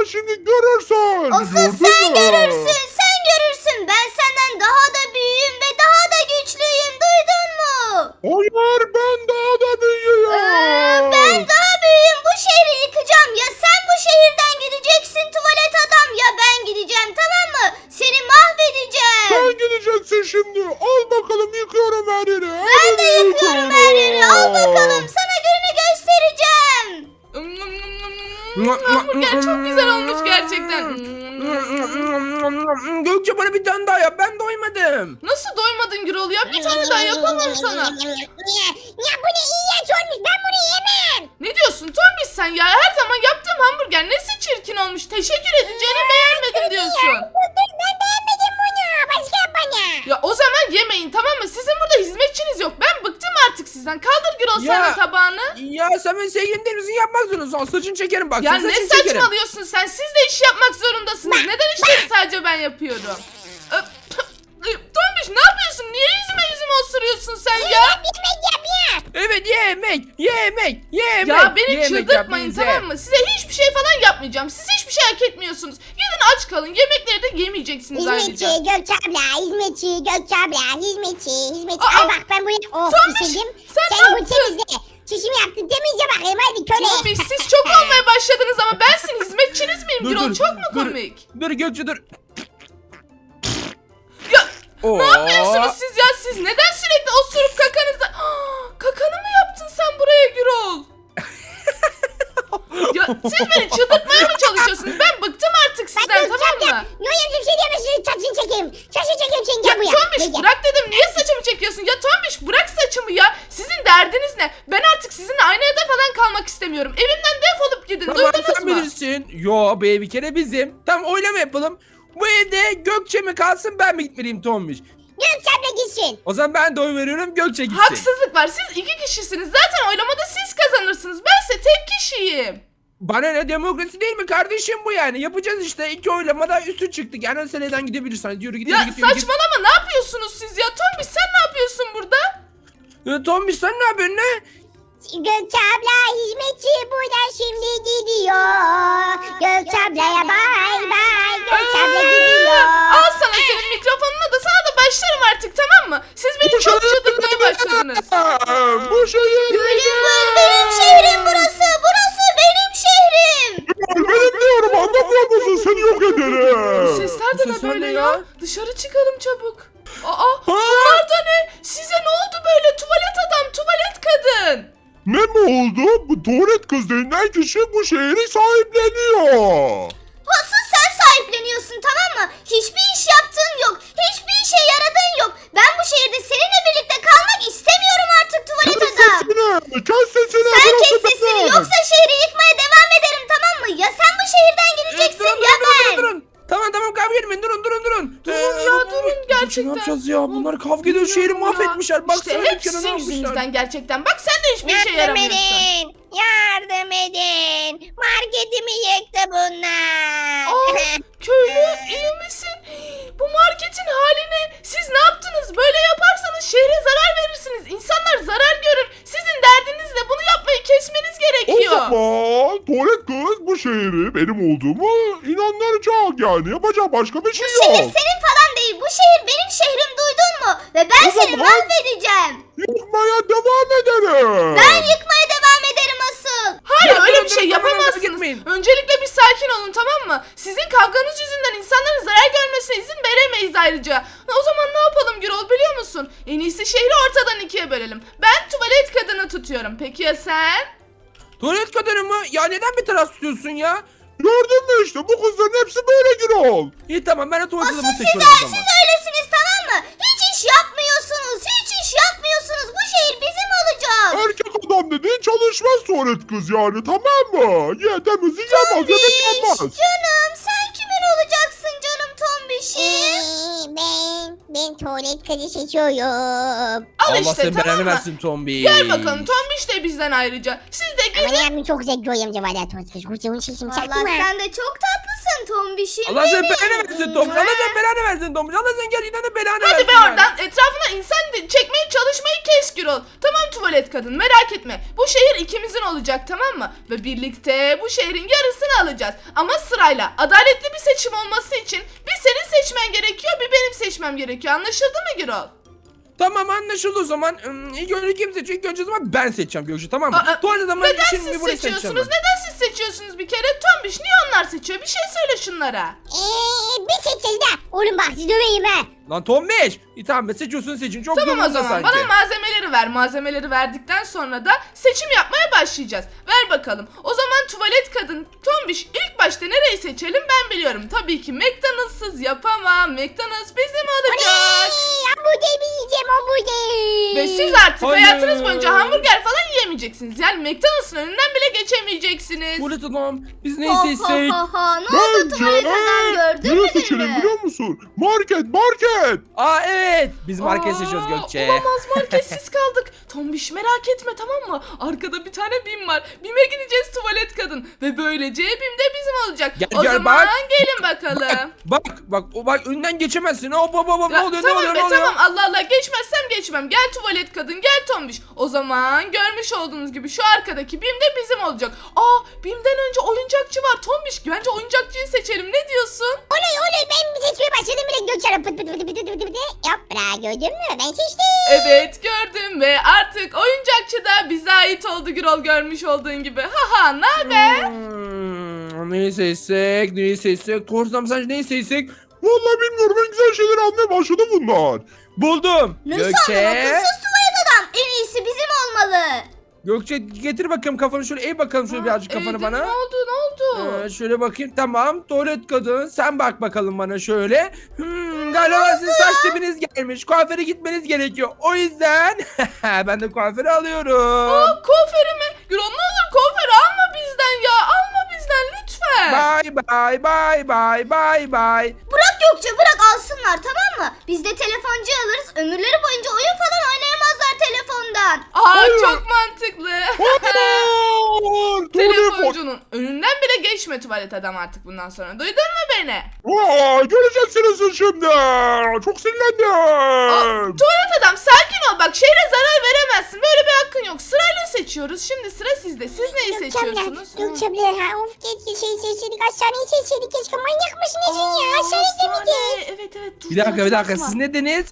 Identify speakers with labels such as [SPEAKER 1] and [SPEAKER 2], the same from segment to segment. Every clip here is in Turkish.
[SPEAKER 1] şimdi görürsün.
[SPEAKER 2] Asıl
[SPEAKER 1] Gördün
[SPEAKER 2] sen
[SPEAKER 1] mü?
[SPEAKER 2] görürsün, sen görürsün. Ben senden daha da büyüğüm ve daha da güçlüyüm. Duydun mu?
[SPEAKER 1] Hayır, ben daha da büyüğüm.
[SPEAKER 2] Ben daha büyüğüm. Bu şehri yıkacağım. Ya sen bu şehirden gideceksin tuvalet adam, ya ben gideceğim, tamam mı? Seni mahvedeceğim.
[SPEAKER 1] Sen gideceksin şimdi. Al bakalım, yıkıyorum her yeri.
[SPEAKER 2] Ben de yıkıyorum her yeri. Al bakalım, sana gününü göstereceğim.
[SPEAKER 3] Hamburger çok güzel olmuş gerçekten.
[SPEAKER 4] Gökçe bana bir tane daha yap. Ben doymadım.
[SPEAKER 3] Nasıl doymadın Gürol ya? Bir tane daha yapamam sana.
[SPEAKER 2] Ya bu ne iğrenç olmuş. Ben bunu yemem.
[SPEAKER 3] Ne diyorsun Tombiş sen ya? Her zaman yaptığım hamburger nesi çirkin olmuş. Teşekkür edeceğine beğenmedim diyorsun.
[SPEAKER 2] Ben beğenmedim bunu. Başka bana.
[SPEAKER 3] Ya o zaman yemeyin, tamam mı? Sizin burada hizmetçiniz yok. Ben bıktım artık sizden. Kaldır Gürol
[SPEAKER 4] Ya.
[SPEAKER 3] sen de tabağını.
[SPEAKER 4] Ya sen benim sevgilim değil misin? Yapmak zorundasın. Saçını çekerim bak.
[SPEAKER 3] Ya
[SPEAKER 4] senin
[SPEAKER 3] ne
[SPEAKER 4] saçını çekerim.
[SPEAKER 3] saçmalıyorsun sen? Siz de iş yapmak zorundasınız. Neden işleri sadece ben yapıyorum? Tombiş ne yapıyorsun? Niye yüzüme osuruyorsun sen ya?
[SPEAKER 2] Yemek yap ya.
[SPEAKER 4] Evet yemek.
[SPEAKER 3] Ya beni
[SPEAKER 4] Yemek
[SPEAKER 3] çıldırtmayın,
[SPEAKER 4] yap bize.
[SPEAKER 3] tamam mı? Size hiçbir şey falan yapmayacağım. Siz hiçbir şey hak etmiyorsunuz. Gidin aç kalın. Yemekleri de yemeyeceksiniz
[SPEAKER 2] Hizmetçi
[SPEAKER 3] ayrıca.
[SPEAKER 2] Gökçe abla, hizmetçi hizmetçi.
[SPEAKER 3] Aa,
[SPEAKER 2] Al bak ben bunu
[SPEAKER 3] Tombiş,
[SPEAKER 2] pişirdim.
[SPEAKER 3] sen ne
[SPEAKER 2] Sen bunu
[SPEAKER 3] yaptın?
[SPEAKER 2] temizle. Çişimi yaptım, temizle bakayım hadi köle.
[SPEAKER 3] Tombiş siz çok olmaya başladınız ama ben sizin hizmetçiniz miyim?
[SPEAKER 4] Dur,
[SPEAKER 3] Gürol
[SPEAKER 4] dur,
[SPEAKER 3] çok mu
[SPEAKER 4] dur.
[SPEAKER 3] komik?
[SPEAKER 4] Dur Gökçe dur.
[SPEAKER 3] Ya
[SPEAKER 4] Oo.
[SPEAKER 3] ne yapıyorsunuz siz ya? Siz neden sürekli osurup kakanızda... Kakanı mı yaptın sen buraya Gürol? Ya siz beni çıldırtmaya mı çalışıyorsunuz? Ben bıktım artık sizden, tamam mı?
[SPEAKER 2] Noyamcım şey diyemezsin, saçını çekeyim. Saçını çekeyim sen
[SPEAKER 3] Ya
[SPEAKER 2] gel buraya.
[SPEAKER 3] Tombiş bırak dedim, niye saçımı çekiyorsun? Ya Tombiş bırak saçımı ya. Sizin derdiniz ne? Ben artık sizinle aynı evde falan kalmak istemiyorum. Evimden defolup gidin,
[SPEAKER 4] Tamam
[SPEAKER 3] duydunuz
[SPEAKER 4] sen
[SPEAKER 3] mu?
[SPEAKER 4] bilirsin. Yo bu ev bir kere bizim. Tamam oylama yapalım. Bu evde Gökçe mi kalsın ben mi gitmeliyim Tombiş?
[SPEAKER 2] Gökçe abla gitsin.
[SPEAKER 4] O zaman ben de oy veriyorum Gökçe gitsin.
[SPEAKER 3] Haksızlık var. Siz iki kişisiniz. Zaten oylamada siz kazanırsınız. Bense tek kişiyim.
[SPEAKER 4] Bana ne, demokrasi değil mi kardeşim bu yani? Yapacağız işte, 2 oylamada üstü çıktık. Yani sen neden gidebilirsin? Hadi yürü git,
[SPEAKER 3] Ya
[SPEAKER 4] yürü git, yürü git.
[SPEAKER 3] saçmalama, ne yapıyorsunuz siz ya? Tombiş sen ne yapıyorsun burada?
[SPEAKER 4] Tombiş sen ne yapıyorsun ne?
[SPEAKER 2] Gökçe abla hizmetçi buradan şimdi gidiyor. Gökçe ablaya bay bay. Gökçe abla gidiyor.
[SPEAKER 3] Al sana senin mikrofonuna da, sana da başlarım artık, tamam mı? Siz beni çok çıldırtmaya başladınız.
[SPEAKER 1] Bu şehir
[SPEAKER 2] Benim şehrim burası. Burası benim şehrim.
[SPEAKER 1] benim diyorum, anlamıyor musun? Seni yok
[SPEAKER 3] Bu
[SPEAKER 1] ederim.
[SPEAKER 3] sesler de
[SPEAKER 4] Bu
[SPEAKER 3] ne
[SPEAKER 4] sesler
[SPEAKER 3] böyle
[SPEAKER 4] ne
[SPEAKER 3] ya?
[SPEAKER 4] ya?
[SPEAKER 3] Dışarı çıkalım çabuk. Bunlar da ne? Size ne oldu böyle? Tuvalet adam, tuvalet kadın.
[SPEAKER 1] Ne mi oldu? Bu tuvalet kız denilen kişi bu şehri sahipleniyor.
[SPEAKER 2] Asıl sen sahipleniyorsun, tamam mı? Hiçbir iş yaptığın yok. Hiçbir işe yaradığın yok. Ben bu şehirde seninle birlikte kalmak istemiyorum artık tuvalet
[SPEAKER 1] Kes
[SPEAKER 2] adam.
[SPEAKER 1] sesini. Kes sesini.
[SPEAKER 2] Sen
[SPEAKER 1] burası
[SPEAKER 2] kes sesini,
[SPEAKER 1] benim.
[SPEAKER 2] yoksa şehri yıkmaya devam ederim, tamam mı? Ya sen bu şehirden gideceksin ya ben.
[SPEAKER 4] Durun. Tamam kavga etmeyin, durun.
[SPEAKER 3] Durun ya, durun gerçekten.
[SPEAKER 4] Ne yapacağız ya? Bunlar kavga ediyor, şehri mahvetmişler. Baksana
[SPEAKER 3] İşte hep
[SPEAKER 4] dükkanı
[SPEAKER 3] sizin
[SPEAKER 4] almışlar.
[SPEAKER 3] yüzünüzden gerçekten. Bak sen de hiçbir işe yaramıyorsun.
[SPEAKER 2] Yardım edin. Marketimi yıktı bunlar.
[SPEAKER 3] Köylü iyi misin? Bu marketin haline siz ne yaptınız? Böyle yaparsanız şehre zarar verirsiniz. İnsanlar zarar görür. Sizin derdiniz ne? Bunu yapmayı kesmeniz
[SPEAKER 1] O
[SPEAKER 3] gerekiyor.
[SPEAKER 1] zaman tuvalet kız bu şehri benim olduğumu inandıracak yani. Yapacak başka bir şey
[SPEAKER 2] Bu şehir
[SPEAKER 1] yok.
[SPEAKER 2] senin falan değil. Bu şehir benim şehrim, duydun mu? Ve ben
[SPEAKER 1] O
[SPEAKER 2] seni
[SPEAKER 1] zaman-
[SPEAKER 2] mahvedeceğim.
[SPEAKER 1] Yıkmaya devam ederim.
[SPEAKER 2] Ben yıkmaya devam ederim asıl.
[SPEAKER 3] Hayır
[SPEAKER 4] Ya,
[SPEAKER 3] öyle
[SPEAKER 4] durun,
[SPEAKER 3] bir şey
[SPEAKER 4] durun, kavga
[SPEAKER 3] yapamazsınız.
[SPEAKER 4] etmeyin.
[SPEAKER 3] Öncelikle bir sakin olun, tamam mı? Sizin kavganız yüzünden insanların zarar görmesine izin veremeyiz ayrıca. O zaman ne yapalım Gürol, biliyor musun? En iyisi şehri ortadan ikiye bölelim. Ben tuvalet kadını tutuyorum. Peki ya sen?
[SPEAKER 4] Tuvalet kadını mı? Ya neden bir taraf tutuyorsun ya?
[SPEAKER 1] Gördün mü işte, bu kızların hepsi böyle Gürol.
[SPEAKER 4] İyi tamam, ben de tuvalet
[SPEAKER 2] Asıl
[SPEAKER 4] adamı
[SPEAKER 2] siz,
[SPEAKER 4] seçiyorum o zaman.
[SPEAKER 2] siz öylesiniz, tamam mı? Hiç iş yapmıyorsunuz. Hiç iş yapmıyorsunuz. Bu şehir bizim olacak.
[SPEAKER 1] Erkek adam dediğin çalışmaz tuvalet kız yani, tamam mı? Ye temizlik yapmaz, yemek yapmaz.
[SPEAKER 2] Canım sen kimin olacaksın canım Tombiş'im? Ben tuvalet kızı seçiyorum.
[SPEAKER 3] Al
[SPEAKER 4] Allah
[SPEAKER 3] işte,
[SPEAKER 4] senin
[SPEAKER 3] tamam
[SPEAKER 4] belanı
[SPEAKER 3] mı?
[SPEAKER 4] versin Tombi.
[SPEAKER 3] Gel bakalım, Tombiş de bizden ayrıca. Siz de
[SPEAKER 2] Ama
[SPEAKER 3] gidin.
[SPEAKER 2] yani çok zevkli oyamca var ya tuvalet kızı. Kurtulun sesim çaktı
[SPEAKER 5] Vallahi
[SPEAKER 2] mı?
[SPEAKER 5] sen de çok tatlısın
[SPEAKER 2] Bakın Tombiş'im
[SPEAKER 4] Allah sen
[SPEAKER 2] benim.
[SPEAKER 4] belanı versin Tombiş. Allah sen belanı versin Tombiş. Allah sen gerçekten belanı versin.
[SPEAKER 3] Hadi be
[SPEAKER 4] yani.
[SPEAKER 3] oradan. Etrafına insan çekmeye çalışmayı kes Gürol. Tamam tuvalet kadın, merak etme. Bu şehir ikimizin olacak, tamam mı? Ve birlikte bu şehrin yarısını alacağız. Ama sırayla adaletli bir seçim olması için bir senin seçmen gerekiyor, bir benim seçmem gerekiyor. Anlaşıldı mı Gürol?
[SPEAKER 4] Tamam anlaşıldı o zaman. İlk önce kim seçiyor? İlk önce o zaman ben seçeceğim Gökçe, tamam mı?
[SPEAKER 3] Aa,
[SPEAKER 4] Tuvalet adamı
[SPEAKER 3] Neden
[SPEAKER 4] için
[SPEAKER 3] siz
[SPEAKER 4] burayı
[SPEAKER 3] seçiyorsunuz?
[SPEAKER 4] seçeceğim ben.
[SPEAKER 3] Neden siz seçiyorsunuz bir kere? Tombiş niye onlar seçiyor? Bir şey söyle şunlara.
[SPEAKER 2] Biz seçeceğiz de. Oğlum bak sizi döveyim ha.
[SPEAKER 4] Lan Tombiş. Tamam be seçiyorsun seçin. Çok
[SPEAKER 3] Tamam o
[SPEAKER 4] durumda
[SPEAKER 3] zaman
[SPEAKER 4] sanki.
[SPEAKER 3] bana malzemeleri ver. Malzemeleri verdikten sonra da seçim yapmaya başlayacağız. Ver bakalım. O zaman tuvalet kadın Tombiş ilk başta nereyi seçelim ben biliyorum. Tabii ki McDonald's'sız yapamam. McDonald's bizim olacak.
[SPEAKER 2] Hamburger mi yiyeceğim hamburger?
[SPEAKER 3] Ve siz artık
[SPEAKER 4] Hayır.
[SPEAKER 3] hayatınız boyunca hamburger falan yiyemeyeceksiniz. Yani McDonald's'ın önünden bile geçemeyeceksiniz.
[SPEAKER 4] Tuvalet adam. Biz neyi
[SPEAKER 2] Ha,
[SPEAKER 4] seçsek?
[SPEAKER 2] ha, ha. Ne oldu tuvalet adam gördün mü
[SPEAKER 1] Ne seçelim
[SPEAKER 2] beni?
[SPEAKER 1] biliyor musun? Market.
[SPEAKER 4] Aa evet. Biz market seçiyoruz Gökçe.
[SPEAKER 3] Olamaz, marketsiz kaldık. Tombiş merak etme, tamam mı? Arkada bir tane BİM var. BİM'e gideceğiz tuvalet kadın. Ve böylece BİM de bizim olacak.
[SPEAKER 4] Gel,
[SPEAKER 3] o
[SPEAKER 4] gel,
[SPEAKER 3] zaman
[SPEAKER 4] bak.
[SPEAKER 3] gelin bakalım.
[SPEAKER 4] Bak önünden geçemezsin. Hop ne oluyor
[SPEAKER 3] Ya,
[SPEAKER 4] ne
[SPEAKER 3] tamam
[SPEAKER 4] oluyor
[SPEAKER 3] be
[SPEAKER 4] ne oluyor?
[SPEAKER 3] tamam, Allah Allah, geçmezsem geçmem. Gel tuvalet kadın, gel Tombiş. O zaman görmüş olduğunuz gibi şu arkadaki BİM de bizim olacak. BİM'den önce oyuncakçı var. Tombiş bence oyuncakçıyı seçelim, ne diyorsun?
[SPEAKER 2] Oley ben bir seçmeye başladım bile Gökçen'e pıt pıt pıt pıt pıt pıt. Yapra gördün mü ben seçtim.
[SPEAKER 3] Evet gördüm ve artık oyuncakçı da bize ait oldu Gürol, görmüş olduğun gibi. Haha, ne haber?
[SPEAKER 4] Neyi seçsek? Korsan sence neyi seçsek?
[SPEAKER 1] Vallahi bilmiyorum, en güzel şeyleri almaya başladı bunlar.
[SPEAKER 4] Buldum.
[SPEAKER 2] Nasıl anladın akılsız tuvalet adam? En iyisi bizim olmalı.
[SPEAKER 4] Gökçe getir bakayım kafanı şöyle eğ bakalım şöyle birazcık kafanı
[SPEAKER 3] Eğdim,
[SPEAKER 4] bana.
[SPEAKER 3] Ne oldu?
[SPEAKER 4] Şöyle bakayım tamam tuvalet kadın sen bak bakalım bana şöyle. Galiba sizin saç dibiniz gelmiş kuaföre gitmeniz gerekiyor o yüzden ben de kuaföre alıyorum.
[SPEAKER 3] Kuaförü mü? Gürol ne olur kuaförü alma bizden ya. Alma bizden lütfen.
[SPEAKER 4] Bye.
[SPEAKER 2] Bırak Gökçe bırak alsınlar tamam mı? Biz de telefoncu alırız ömürleri boyunca oyun falan oynayamazlar telefondan.
[SPEAKER 1] Hayır.
[SPEAKER 3] Çok mantıklı.
[SPEAKER 1] Hayır. Telefon.
[SPEAKER 3] Telefoncunun önünden bile geçme tuvalet adam artık bundan sonra. Duydun mu beni?
[SPEAKER 1] Göreceksiniz şimdi. Çok sinirlendim.
[SPEAKER 3] Tuvalet adam sakin ol, bak şehre zarar veremezsin. Böyle bir hakkın yok. Sırayla seçiyoruz. Şimdi sıra sizde. Siz neyi seçiyorsunuz?
[SPEAKER 2] Gökçemler ha of keşke seçseydik hastaneyi seçseydik keşke manyak mısın nesin ya hastanede miydi?
[SPEAKER 3] Evet. Dur,
[SPEAKER 4] Bir dakika
[SPEAKER 3] unutma.
[SPEAKER 4] siz ne dediniz?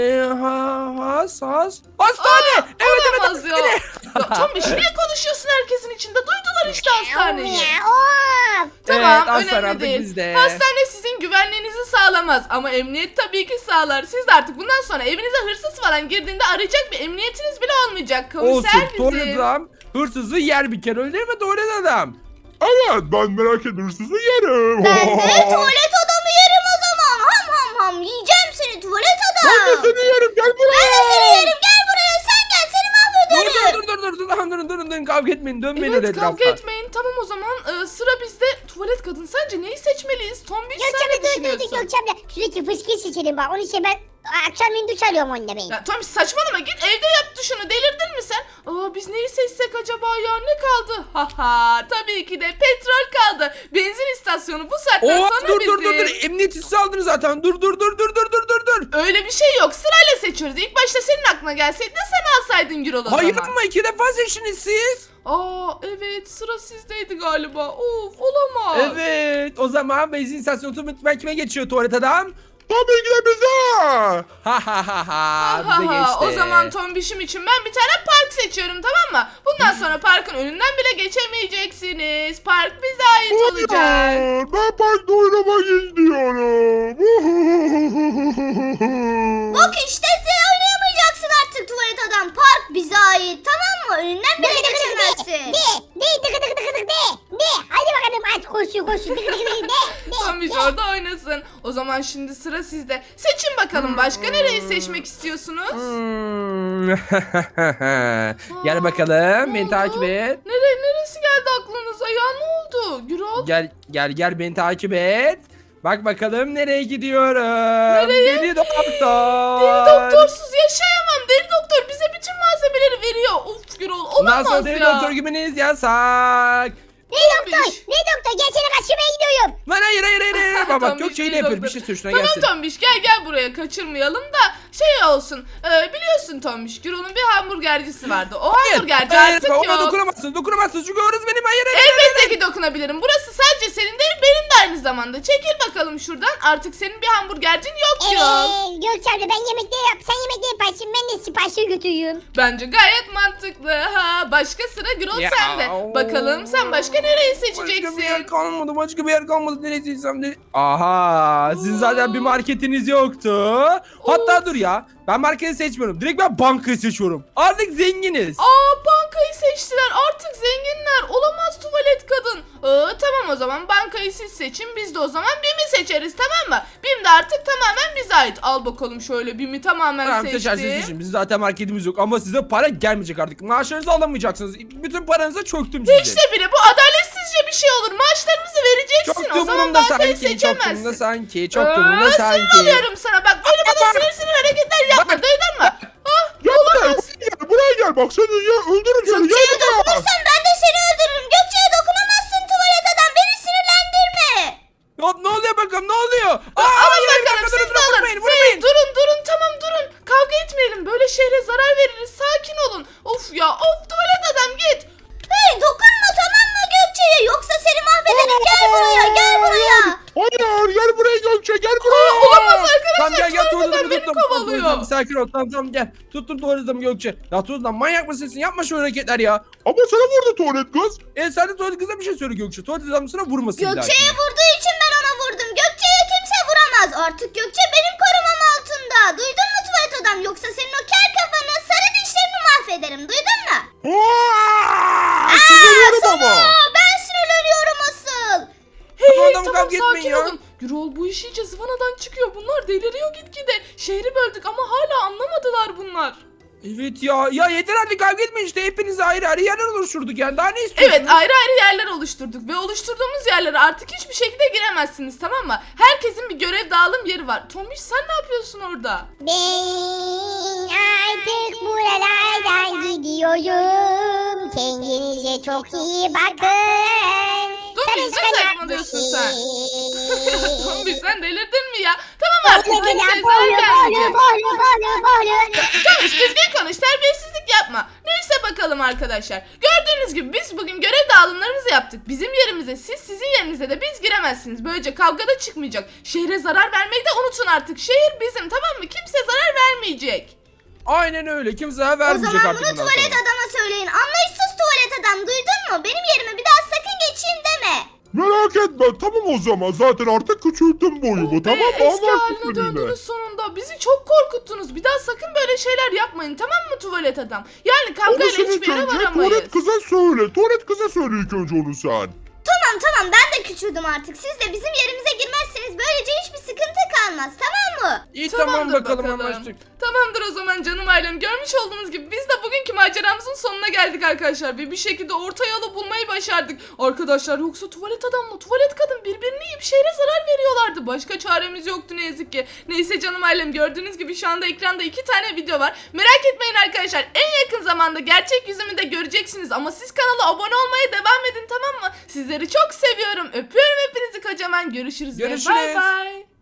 [SPEAKER 4] Hastane. Evet
[SPEAKER 3] Olamaz ya.
[SPEAKER 4] hastane.
[SPEAKER 3] Ya Tombiş niye konuşuyorsun herkesin içinde? Duydular işte hastaneyi.
[SPEAKER 2] Of.
[SPEAKER 3] Tamam
[SPEAKER 4] Evet, hastane
[SPEAKER 3] önemli
[SPEAKER 4] artık
[SPEAKER 3] değil.
[SPEAKER 4] bizde.
[SPEAKER 3] Hastane sizin güvenliğinizi sağlamaz ama emniyet tabii ki sağlar. Siz de artık bundan sonra evinize hırsız falan girdiğinde arayacak bir emniyetiniz bile olmayacak. Komiser
[SPEAKER 4] Olsun tuvalet
[SPEAKER 3] bizim.
[SPEAKER 4] adam hırsızı yer bir kere öyle değil mi tuvalet adam?
[SPEAKER 1] Evet, ben merak ediyorum, sizi yerim.
[SPEAKER 2] Ben de tuvalet adamı yerim o zaman. Ham yiyeceğim seni tuvalet
[SPEAKER 1] Ben de
[SPEAKER 2] adam.
[SPEAKER 1] seni yerim, gel buraya.
[SPEAKER 2] Ben de seni yerim gel buraya sen gel seni mahvederim.
[SPEAKER 4] Durun kavga etmeyin dönmeyin öyle
[SPEAKER 3] Evet kavga
[SPEAKER 4] etrafa.
[SPEAKER 3] etmeyin. Tamam o zaman sıra bizde. Tuvalet kadın sence neyi seçmeliyiz? Tombiş sen
[SPEAKER 2] Gökçemle
[SPEAKER 3] ne düşünüyorsun?
[SPEAKER 2] Gökçemle sürekli fıskiyi seçelim bak onun için ben akşamleyin duş alıyorum onunla ben.
[SPEAKER 3] Ya Tombiş saçmalama, git evde yap duşunu, delirdin mi sen? Biz neyi seçsek acaba ya, ne kaldı? Haha tabii ki de petrol kaldı. Benzin istasyonu bu saatten
[SPEAKER 4] Oo
[SPEAKER 3] sonra
[SPEAKER 4] dur
[SPEAKER 3] bizim.
[SPEAKER 4] emniyet hissi aldın zaten dur.
[SPEAKER 3] Öyle bir şey yok, sırayla seçiyoruz. İlk başta senin aklına gelseydi de sen alsaydın Gürol o
[SPEAKER 4] Hayır
[SPEAKER 3] zaman.
[SPEAKER 4] ama 2 defa seçtiniz siz.
[SPEAKER 3] Evet sıra sizdeydi galiba. Of olamaz.
[SPEAKER 4] Evet o zaman benzin istasyonu otomatik kime geçiyor tuvalet adam?
[SPEAKER 1] Tabii ki de bize.
[SPEAKER 4] Bize geçti.
[SPEAKER 3] O zaman Tombiş'im için ben bir tane park seçiyorum, tamam mı? Bundan sonra parkın önünden bile geçemeyeceksiniz. Park bize ait olacak.
[SPEAKER 1] Hayır, ben parkta oynamak istiyorum.
[SPEAKER 2] Bak işte sen oynayamayacaksın artık tuvalet adam. Park bize ait tamam mı? Önünden bile geçemezsin. De. Hadi bakalım aç koşuyor.
[SPEAKER 3] Tombiş orada oynasın. O zaman şimdi sıra sizde. Seçin bakalım, başka nereyi seçmek istiyorsunuz?
[SPEAKER 4] Gel bakalım
[SPEAKER 3] Ne
[SPEAKER 4] beni
[SPEAKER 3] oldu?
[SPEAKER 4] takip et.
[SPEAKER 3] Neresi geldi aklınıza ya, ne oldu Gürol?
[SPEAKER 4] Gel beni takip et. Bak bakalım nereye gidiyorum. Deli doktor.
[SPEAKER 3] Deli doktorsuz yaşayamam. Deli doktor bize bütün malzemeleri veriyor. Of Gürol olamaz
[SPEAKER 4] Nasıl deli
[SPEAKER 3] ya.
[SPEAKER 4] doktor gibiniz yasak.
[SPEAKER 2] Ne doktor gel seni kaçırmaya gidiyorum.
[SPEAKER 4] Lan hayır bak
[SPEAKER 3] Tombiş,
[SPEAKER 4] Gökçe ile
[SPEAKER 3] beni
[SPEAKER 4] yapıyor. Bir
[SPEAKER 3] doktor.
[SPEAKER 4] şey söyle şuna
[SPEAKER 3] Tamam
[SPEAKER 4] gelsin.
[SPEAKER 3] Tombiş gel buraya kaçırmayalım da şey olsun. Biliyorsun Tombiş Gürol'un bir hamburgercisi vardı. O hamburgerci artık
[SPEAKER 4] ona
[SPEAKER 3] yok.
[SPEAKER 4] dokunamazsın çünkü orası benim hayır.
[SPEAKER 3] Elbette ki dokunabilirim. Burası sadece senin değil benim de aynı zamanda. Çekil bakalım şuradan. Artık senin bir hamburgercin yok Gürol.
[SPEAKER 2] Gökçe abla ben yemekleri yap. Sen yemekleri yaparsın. Ben de siparişi götürüyorum.
[SPEAKER 3] Bence gayet mantıklı. Ha, başka sıra Gürol
[SPEAKER 4] Ya,
[SPEAKER 3] sende. Bakalım sen başka nereyi seçeceksin?
[SPEAKER 4] Başka bir yer kalmadı. Başka bir yer kalmadı. Nereye seçsem de. Aha, sizin zaten bir marketiniz yoktu. Hatta dur ya. Ben marketi seçmiyorum. Direkt ben bankayı seçiyorum. Artık zenginiz.
[SPEAKER 3] Bankayı seçtiler. Artık zenginler. Olamaz tuvalet kadın. Tamam o zaman bankayı siz seçin. Biz de o zaman BİM'i seçeriz tamam mı? BİM de artık tamamen bize ait. Al bakalım şöyle BİM'i tamamen
[SPEAKER 4] Tamam
[SPEAKER 3] seçtim.
[SPEAKER 4] seçersiniz seçin. Bizim zaten marketimiz yok ama size para gelmeyecek artık. Maaşlarınızı alamayacaksınız. Bütün paranızı çöktüm size.
[SPEAKER 3] İşte bile bu adaletsizce bir şey olur. Maaşlarımızı vereceksin.
[SPEAKER 4] Çok
[SPEAKER 3] O zaman
[SPEAKER 4] durumunda
[SPEAKER 3] bankayı
[SPEAKER 4] sanki. Çok durumunda
[SPEAKER 3] seçemezsin.
[SPEAKER 4] sanki. Çok durumunda
[SPEAKER 3] Sinir
[SPEAKER 4] sanki.
[SPEAKER 3] oluyorum sana. Bak böyle bana sinir hareketler yapma. Duydun mu?
[SPEAKER 1] Gel buraya gel bak seni ya öldürürüm seni.
[SPEAKER 2] Gökçe'ye
[SPEAKER 1] Gel buraya.
[SPEAKER 2] dokunursan ben de seni öldürürüm. Gökçe'ye dokunamazsın tuvalet adam. Beni sinirlendirme.
[SPEAKER 4] Ne oluyor bakalım ne oluyor?
[SPEAKER 3] Alın bakalım siz de alın. Hey, durun tamam durun. Kavga etmeyelim. Böyle şehre zarar veririz. Sakin olun. Of ya tuvalet adam git.
[SPEAKER 2] Hey dokunma tamam mı Gökçe'ye? Yoksa seni mahvederim. Gel buraya gel buraya.
[SPEAKER 1] Hayır gel buraya Gökçe gel buraya.
[SPEAKER 3] Olamaz arkadaşlar.
[SPEAKER 4] Tamam gel
[SPEAKER 3] tuvalet adam
[SPEAKER 4] tuvalet
[SPEAKER 3] beni
[SPEAKER 4] tuttum.
[SPEAKER 3] kovalıyor.
[SPEAKER 4] Sakin ol tamam gel. Tuttum tuvalet adamı Gökçe. Ya tuvalet adam manyak mısın sen? Yapma şu hareketler ya.
[SPEAKER 1] Ama sana vurdu tuvalet kız.
[SPEAKER 4] Sen de tuvalet kıza bir şey söyle Gökçe. Tuvalet adam sana vurmasın bir
[SPEAKER 2] Gökçe'ye
[SPEAKER 4] dahakine.
[SPEAKER 2] vurduğu için ben ona vurdum. Gökçe'ye kimse vuramaz. Artık Gökçe benim korumam altında. Duydun mu tuvalet adam? Yoksa senin o kel kafanı sarı dişlerini mahvederim. Duydun mu?
[SPEAKER 1] Sinirlerim ama.
[SPEAKER 2] Ben sinirleniyorum asıl.
[SPEAKER 4] Tamam,
[SPEAKER 3] Tamam
[SPEAKER 4] kavga etmeyin
[SPEAKER 3] sakin
[SPEAKER 4] ya.
[SPEAKER 3] olun. Gürol bu iş iyice zıvanadan çıkıyor. Bunlar deliriyor gitgide. Şehri böldük ama hala anlamadılar bunlar.
[SPEAKER 4] Evet ya yeter artık kavga etmeyin işte. Hepiniz ayrı ayrı yerler oluşturduk yani. Daha ne istiyorsunuz?
[SPEAKER 3] Evet ayrı ayrı yerler oluşturduk ve oluşturduğumuz yerlere artık hiçbir şekilde giremezsiniz tamam mı? Herkesin bir görev dağılım yeri var. Tomiş sen ne yapıyorsun orada?
[SPEAKER 2] Ben artık buralardan gidiyorum. Kendinize çok iyi bakın.
[SPEAKER 3] Tomiş ne saçmalıyorsun sen? Tomiş sen delirdin mi ya? Tamam artık kimseye zarar gelmeyecek. Tomiş düzgün konuş terbiyesizlik yapma. Neyse bakalım arkadaşlar. Gördüğünüz gibi biz bugün görev dağılımlarımızı yaptık. Bizim yerimize siz sizin yerinize de biz giremezsiniz. Böylece kavga da çıkmayacak. Şehre zarar vermeyi de unutun artık. Şehir bizim tamam mı? Kimse zarar vermeyecek.
[SPEAKER 4] Aynen öyle. Kimse zarar
[SPEAKER 2] O
[SPEAKER 4] vermeyecek
[SPEAKER 2] zaman
[SPEAKER 4] artık
[SPEAKER 2] bunu
[SPEAKER 4] bundan
[SPEAKER 2] tuvalet
[SPEAKER 4] sonra.
[SPEAKER 2] adama söyleyin. Anlayışsız tuvalet adam duydun mu? Benim yerime bir daha sakın geçeyim deme.
[SPEAKER 1] Merak etme tamam o zaman zaten artık küçülttüm boyumu tamam mı?
[SPEAKER 3] Eski
[SPEAKER 1] Anlaştık
[SPEAKER 3] haline
[SPEAKER 1] seninle.
[SPEAKER 3] döndünüz sonunda. Bizi çok korkuttunuz. Bir daha sakın böyle şeyler yapmayın tamam mı tuvalet adam? Yani
[SPEAKER 1] Onu
[SPEAKER 3] kavgayla
[SPEAKER 1] sen
[SPEAKER 3] hiçbir
[SPEAKER 1] ilk
[SPEAKER 3] yere
[SPEAKER 1] önce
[SPEAKER 3] varamayız.
[SPEAKER 1] tuvalet kıza söyle. Tuvalet kıza söyle ilk önce onu sen.
[SPEAKER 2] Tamam ben de küçüldüm artık. Siz de bizim yerimize girmezseniz böylece hiçbir sıkıntı kalmaz tamam mı?
[SPEAKER 4] İyi tamam
[SPEAKER 3] Tamamdır
[SPEAKER 4] bakalım anlaştık.
[SPEAKER 3] Tamamdır o zaman canım ailem. Görmüş olduğunuz gibi biz de bugünkü maceramızın sonuna geldik arkadaşlar. Ve bir şekilde orta yolu bulmayı başardık. Arkadaşlar yoksa tuvalet adamla tuvalet kadın birbirini yiyip şehre zarar veriyorlardı. Başka çaremiz yoktu ne yazık ki. Neyse canım ailem gördüğünüz gibi şu anda ekranda 2 tane video var. Merak etmeyin arkadaşlar. En yakın zamanda gerçek yüzümü de göreceksiniz. Ama siz kanala abone olmaya devam edin tamam mı? Sizleri çok seviyorum. Öpüyorum hepinizi kocaman. Görüşürüz. Ve
[SPEAKER 4] Görüşürüz.
[SPEAKER 3] bay bay.